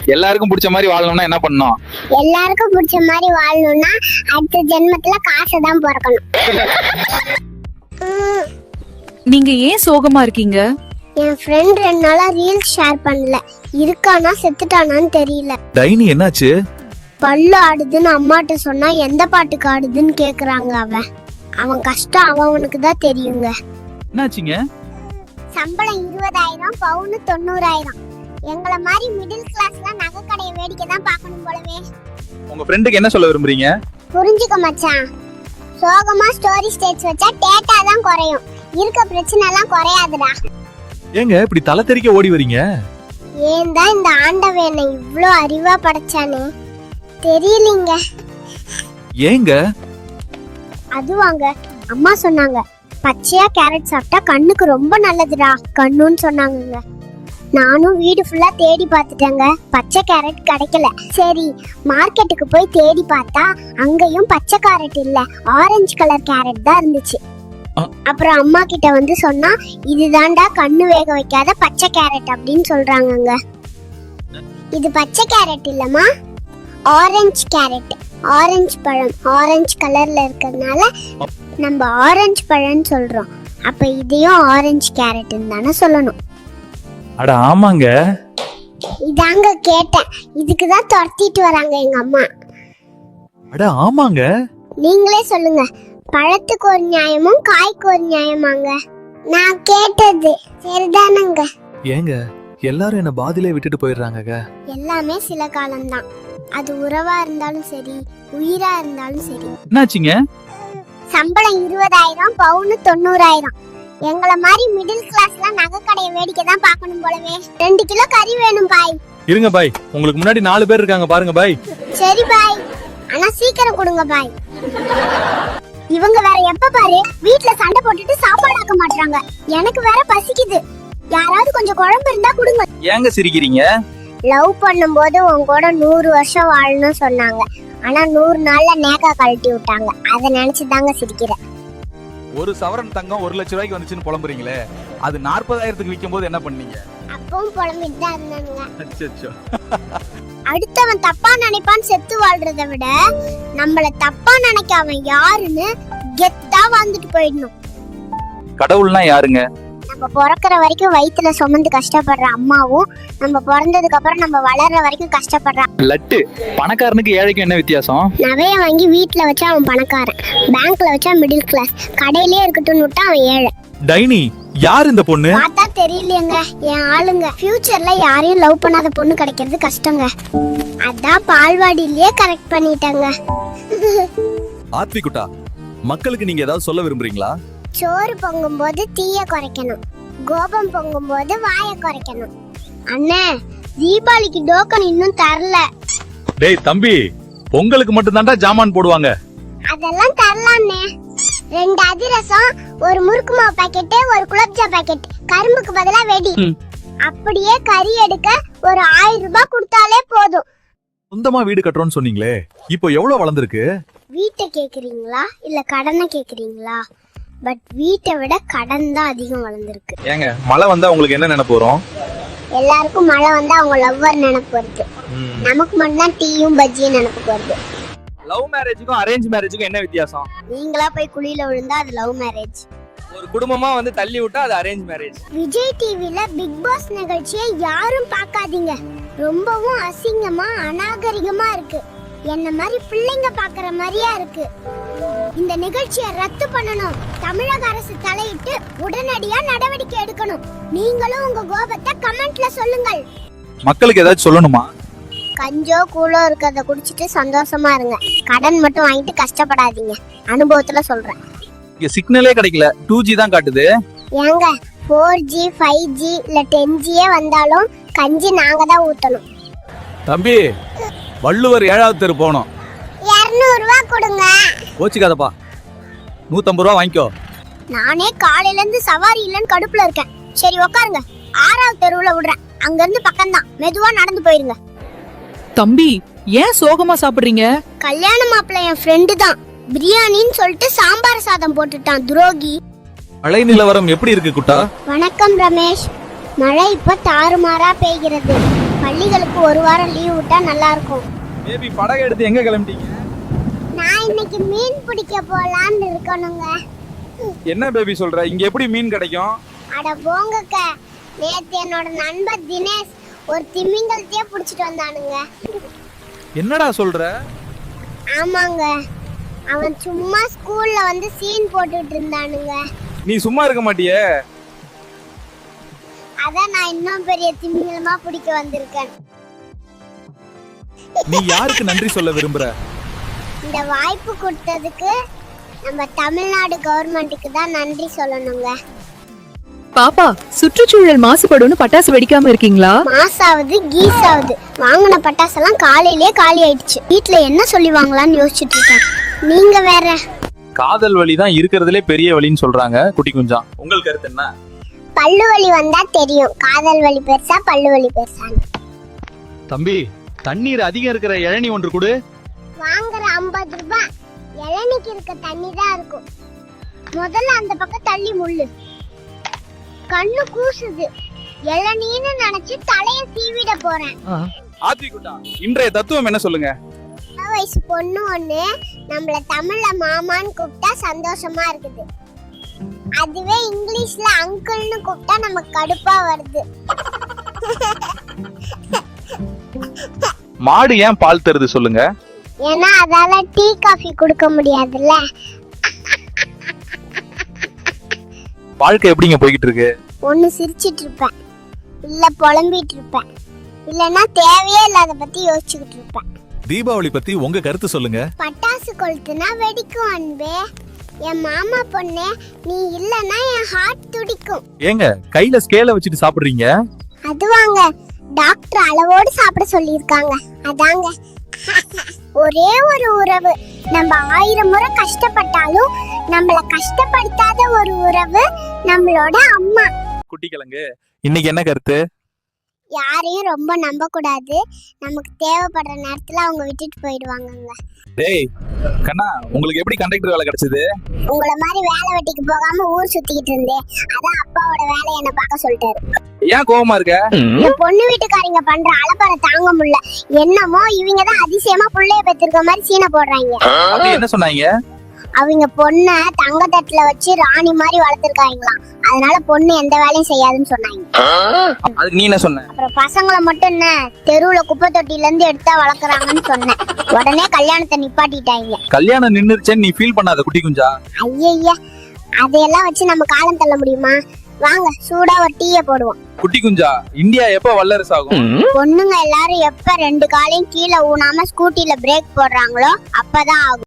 எல்லாருக்கும் பிடிச்ச மாதிரி வாழணும்னா என்ன பண்ணணும்? எல்லாருக்கும் பிடிச்ச மாதிரி வாழணும்னா அடுத்த ஜென்மத்துல காசு தான் பிறக்கணும். நீங்க ஏன் சோகமா இருக்கீங்க? என் ஃப்ரெண்ட் 2 நாளா ரீல்ஸ் ஷேர் பண்ணல. இருக்கானா செத்துட்டானான்னு தெரியல. டைனி என்னாச்சு? பல்லு ஆடுதுன்னு அம்மாட்ட சொன்னா எந்த பாட்டுக்கு ஆடுதுன்னு கேக்குறாங்க. அவன் கஷ்டம் அவனுக்கு தான் தெரியுங்க. என்னாச்சுங்க? சம்பளம் 20,000, பவுனு 90,000. எங்களை மாதிரி மிடில் கிளாஸ்ல நகை கடையை வேடிக்கை தான் பார்க்கணும் போலவே. உங்க ஃப்ரெண்டுக்கு என்ன சொல்ல விரும்புறீங்க? புரிஞ்சுக்க மச்சான், சோகமா ஸ்டோரி ஸ்டேட்ஸ் வச்சா டேட்டா தான் குறையும், இருக்க பிரச்சனை எல்லாம் குறையாதுடா. ஏங்க இப்படி தலை தெறிக்க ஓடி வரீங்க? ஏன் தான் இந்த ஆண்டவன் என்னை இவ்ளோ அறிவா படைச்சானே தெரியலீங்க. ஏங்க? அதுவாங்க அம்மா சொன்னாங்க, பச்சையா கேரட் சாப்பிட்டா கண்ணுக்கு ரொம்ப நல்லதுடா கண்ணுன்னு சொன்னாங்க. நானும் வீடு ஃபுல்லா தேடி பார்த்துட்டேங்க, பச்சை கேரட் கிடைக்கல. சரி மார்க்கெட்டுக்கு போய் தேடி பார்த்தா அங்கேயும் பச்சை கேரட் இல்ல, ஆரஞ்சு கலர் கேரட் தான் இருந்துச்சு. அப்புறம் அம்மா கிட்ட வந்து சொன்னா, இதுதான்டா கண்ணு வேக வைக்காத பச்சை கேரட் அப்படின்னு சொல்றாங்கங்க. இது பச்சை கேரட் இல்லம்மா, ஆரஞ்சு கேரட். ஆரஞ்சு பழம் ஆரஞ்சு கலர்ல இருக்கிறதுனால நம்ம ஆரஞ்சு பழம்னு சொல்றோம். அப்ப இதையும் ஆரஞ்சு கேரட்னு தானே சொல்லணும். அட ஆமாங்க. இதாங்க கேட்டேன், இதுக்குதான் துரத்திட்டு வராங்க எங்க அம்மா. அட ஆமாங்க. நீங்களே சொல்லுங்க, பழத்துக்கு ஒரு நியாயமும் காய்க்கு ஒரு நியாயமாங்க? நான் கேட்டது சரிதானங்க? ஏங்க எல்லாரும் என்ன பாதியிலே விட்டுட்டு போயிடுறாங்க. எல்லாமே சில காலம்தான், அது உறவா இருந்தாலும் சரி உயிரா இருந்தாலும் சரி. என்னாச்சுங்க? சம்பளம் 20,000, பவுனு 90,000. எங்களை மாதிரி மிடில் கிளாஸ்ல நகை கடையை வேடிக்கை தான் பார்க்கணும் போலவே. 2 கிலோ கறி வேணும் பாய். இருங்க பாய், உங்களுக்கு முன்னாடி 4 பேர் இருக்காங்க பாருங்க பாய். சரி பாய், ஆனா சீக்கிரம் கொடுங்க பாய். இவங்க வேற எப்ப பாரு வீட்ல சண்டை போட்டுட்டு சாப்பாடு ஆக்க மாட்டாங்க. எனக்கு வேற பசிக்குது, யாராவது கொஞ்சம் குழம்பு இருந்தா கொடுங்க. ஏங்க சிரிக்கிறீங்க? லவ் பண்ணும்போது உன் கூட 100 வருஷம் வாழணும்னு சொன்னாங்க, ஆனா 100 நாள்ல நேக்கா கழட்டி விட்டாங்க. அதை நினைச்சுதாங்க சிரிக்கிறேன். ஒரு சவரன் தங்கம் 1 லட்சம் ரூபாய்க்கு வந்துச்சுன்னு புலம்புறீங்களே, அது 40,000க்கு விற்கும் போது என்ன பண்ணீங்க? அப்பவும் புலம்பிட்டு தான் இருந்தானுங்க. அச்சச்சோ. அடுத்தவன் தப்பா நினைப்பான்னு செத்து வாழ்றதை விட நம்மள தப்பா நினைக்க அவன் யாருன்னு கெத்தா வாழ்ந்துட்டு போயிடணும். கடவுள்னா யாருங்க? நம்ம பிறக்கிற வரைக்கும் வயித்துல சுமந்து கஷ்டப்படுற அம்மாவும், நம்ம பிறந்ததுக்கு அப்புறம் நம்ம வளர்ற வரைக்கும் கஷ்டப்படுற லட்டு. பணக்காரனுக்கு ஏழைக்கும் என்ன வித்தியாசம்? நகைய வாங்கி வீட்டுல வச்சா அவன் பணக்காரன், பேங்க்ல வச்சா மிடில் கிளாஸ், கடையிலே இருக்கட்டும்னு விட்டா அவன் ஏழை. டைனி யார் இந்த பொண்ணு? பார்த்தா தெரியலையேங்க, என் ஆளுங்க. ஃபியூச்சர்ல யாரையும் லவ் பண்ணாத பொண்ணு கிடைக்கிறது கஷ்டங்க, அதான் பால்வாடியிலேயே கரெக்ட் பண்ணிட்டாங்க. ஆத்விகுட்டா, மக்களுக்கு நீங்க ஏதாவது சொல்ல விரும்புறீங்களா? சோறு பொங்கும் போது தீய குறைக்கணும், கோபம் பொங்கும் போது வாயை குறைக்கணும். அண்ணே தீபாவளிக்கு டோக்கன் இன்னும் தரல. டேய் தம்பி, பொங்கலுக்கு மட்டும் தான்டா ஜாமான் போடுவாங்க. அதெல்லாம் தரலாம்ண்ணே. 2 அதிரசம், ஒரு முறுக்கு மாவு பாக்கெட், ஒரு குலோப்ஜா பாக்கெட், கரும்புக்கு பதிலா வெடி. அப்படியே கறி எடுக்க ஒரு 1000 ரூபாய் கொடுத்தாலே போதும். சொந்தமா வீடு கட்டுறோம்னு சொன்னீங்களே, இப்போ எவ்வளவு வளர்ந்துருக்கு? வீட்டை கேக்குறீங்களா இல்ல கடனை கேக்குறீங்களா? பட் வீட்டை விட கடன் தான் அதிகம் வளர்ந்துருக்கு. ஏங்க மழை வந்தா உங்களுக்கு என்ன நினைப்பு வரும்? எல்லாருக்கும் மழை வந்தா அவங்க லவ்வர் நினைப்பு வருது, நமக்கு மட்டும்தான் டீயும் பஜ்ஜியும் நினைப்புக்கு வருது. லவ் மேரேஜுக்கும் அரேஞ்ச் மேரேஜுக்கும் என்ன வித்தியாசம்? நீங்களா போய் குழியில விழுந்தா அது லவ் மேரேஜ், ஒரு குடும்பமா வந்து தள்ளி விட்டா அது அரேஞ்ச் மேரேஜ். விஜய் டிவில பிக் பாஸ் நிகழ்ச்சியை யாரும் பார்க்காதீங்க, ரொம்பவும் அசிங்கமா அநாகரிகமா இருக்கு. என்ன மாதிரி பிள்ளைங்க பாக்குற மாதிரியா இருக்கு. இந்த நிகழ்ச்சியை ரத்து பண்ணணும், தமிழக அரசு தலையிட்டு உடனடியா நடவடிக்கை எடுக்கணும். நீங்களும் உங்க கோபத்தை கமெண்ட்ல சொல்லுங்கள். மக்களுக்கு ஏதாச்சும் சொல்லணுமா? கஞ்சோ கூழோ இருக்கிறத குடிச்சிட்டு சந்தோஷமா இருங்க, கடன் மட்டும் வாங்கிட்டு கஷ்டப்படாதீங்க. அனுபவத்துல சொல்றேன். இங்க சிக்னலே கிடைக்கல, 2G தான் காட்டுது. ஏங்க 4G 5G இல்ல 10G வந்தாலும் கஞ்சி நாங்க தான் ஊத்தணும். தம்பி, வள்ளுவர் 7வது தெரு போனோம். 200 ரூபாய் கொடுங்க. கோச்சிக்காதப்பா, 150 ரூபா வாங்கிக்கோ. நானே காலையில இருந்து சவாரி இல்லன்னு கடுப்புல இருக்கேன். சரி உட்காருங்க, 6வது தெருவுல விடுறேன், அங்க இருந்து பக்கம் தான், மெதுவா நடந்து போயிருங்க. தம்பி ஏன் சோகமா சாப்பிடுறீங்க? கல்யாண மாப்பிள்ளை என் ஃப்ரெண்டு தான், பிரியாணின்னு சொல்லிட்டு சாம்பார் சாதம் போட்டுட்டான் துரோகி. மழை நிலவரம் எப்படி இருக்கு குட்டா? வணக்கம் ரமேஷ். மழை இப்ப தாறுமாறா பெய்கிறது. பள்ளிகளுக்கு ஒரு வாரம் லீவ் விட்டா நல்லா இருக்கும். பேபி படகு எடுத்து எங்க கிளம்பிட்டீங்க? நான் இன்னைக்கு மீன் பிடிக்க போலான்னு இருக்கணுங்க. என்ன பேபி சொல்ற? இங்க எப்படி மீன் கிடைக்கும்? அட போங்கக்க, நேத்து என்னோட நண்பர் தினேஷ் ஒரு திமிங்கலத்தையே பிடிச்சிட்டு வந்தானுங்க. என்னடா சொல்ற? ஆமாங்க, அவன் சும்மா ஸ்கூல்ல வந்து சீன் போட்டுட்டு இருந்தானுங்க. நீ சும்மா இருக்க மாட்டியே? அதான் நான் இன்னும் பெரிய திமிங்கலமா பிடிக்க வந்திருக்கேன். நீ யாருக்கு நன்றி சொல்ல விரும்புற? இந்த வாய்ப்பு கொடுத்ததுக்கு நம்ம தமிழ்நாடு கவர்மெண்ட்டுக்கு தான் நன்றி சொல்லணுங்க. பாப்பா, சுற்றுச்சூழல் மாசுபடும்னு பட்டாசு வெடிக்காம இருக்கீங்களா? மாசாவது கீசாவது வாங்கின பட்டாசெல்லாம் காலையிலே காலி ஆயிடுச்சு. வீட்டுல என்ன சொல்லி வாங்கலாம்னு யோசிச்சுட்டு இருக்கேன். நீங்க வேற. காதல் வலி தான் இருக்கிறதுலே பெரிய வலின்னு சொல்றாங்க குட்டி குஞ்சா. உங்கள் கருத்து என்ன? பல்லு வலி வந்தா தெரியும் காதல் வலி பெருசா பல்லு வலி பெருசான்னு. தம்பி, தண்ணீர் அதிகம் இருக்கிற இளநீ ஒன்று கொடு. வாங்குற 50 ரூபாய் இளநிக்கு இருக்க தண்ணி தான் இருக்கும். முதல்ல அந்த பக்கம் தள்ளி முள்ளு. கண்ணு கூசுது. இளநீன்னு நினைச்சு தலைய சீவிட போறேன். ஆத்விகுட்டா, இன்றைய தத்துவம் என்ன சொல்லுங்க? வயசு பொண்ணு ஒண்ணு நம்மள தமிழ்ல மாமான்னு கூப்பிட்டா சந்தோஷமா இருக்குது. அதுவே இங்கிலீஷ்ல அங்கிள்னு கூப்பிட்டா நமக்கு கடுப்பா வருது. மாடு ஏன் பால் தருது சொல்லுங்க? ஏன்னா அதால டீ காஃபி குடுக்க முடியாதுல்ல. வாழ்க்கை எப்படிங்க போய்கிட்டு இருக்கு? ஒண்ணு சிரிச்சிட்டு இருப்பேன், இல்ல புலம்பிட்டு இருப்பேன், இல்லன்னா தேவையே இல்லாத பத்தி யோசிச்சுக்கிட்டு இருப்பேன். தீபாவளி பத்தி உங்க கருத்து சொல்லுங்க. பட்டாசு கொளுத்துனா வெடிக்கும் அன்பே. என் மாமா பொண்ணு நீ இல்லன்னா என் ஹார்ட் துடிக்கும். ஏங்க கையில ஸ்கேல வச்சுட்டு சாப்பிடுறீங்க? அதுவாங்க டாக்டர் அளவோடு சாப்பிட சொல்லியிருக்காங்க. அதாங்க. ஒரே ஒரு உறவு நம்ம 1000 முறை கஷ்டப்பட்டாலும் நம்மள கஷ்டப்படுத்தாத ஒரு உறவு நம்மளோட அம்மா. குட்டி கிழங்கு, இன்னைக்கு என்ன கருத்து? யாரையும் ரொம்ப நம்ப கூடாது. நமக்கு தேவைப்படுற நேரத்துல அவங்க விட்டுட்டு போயிடுவாங்கங்க. டேய் கண்ணா, உங்களுக்கு எப்படி கண்டக்டர் வேலை கிடைச்சது? உங்கள மாதிரி வேலை வெட்டிக்கு போகாம ஊர் சுத்திக்கிட்டு இருந்தேன். அதான் அப்பாவோட வேலையை என்ன பார்க்க சொல்லிட்டாரு. ஏன் கோவமா இருக்க? என் பொண்ணு வீட்டுக்காரங்க பண்ற அலப்பறை தாங்க முடியல. என்னமோ இவங்க தான் அதிசயமா புள்ளைய பெற்றிருக்க மாதிரி சீனை போடுறாங்க. அப்படி என்ன சொன்னாங்க? அவங்க பொண்ண தங்க தட்டுல வச்சு ராணி மாதிரி வளர்த்திருக்காங்களாம். அதனால பொண்ணு எந்த வேலையும் செய்யாதுன்னு சொன்னாங்க. அதுக்கு நீ என்ன சொன்ன? அப்புறம் பசங்களை மட்டும் என்ன தெருவுல குப்பை தொட்டில இருந்து எடுத்தா வளர்க்குறாங்கன்னு சொன்னேன். உடனே கல்யாணத்தை நிப்பாட்டிட்டாங்க. கல்யாணம் நின்னுருச்சேன்னு நீ ஃபீல் பண்ணாத குட்டி குஞ்சா. ஐயா, அதையெல்லாம் வச்சு நம்ம காலம் தள்ள முடியுமா? வாங்க சூடா ஒரு டீயை போடுவோம். குட்டி குஞ்சா, இந்தியா எப்ப வல்லரசு ஆகும்? பொண்ணுங்க எல்லாரும் எப்ப 2 காலையும் கீழே ஊனாம ஸ்கூட்டில பிரேக் போடுறாங்களோ அப்பதான் ஆகும்.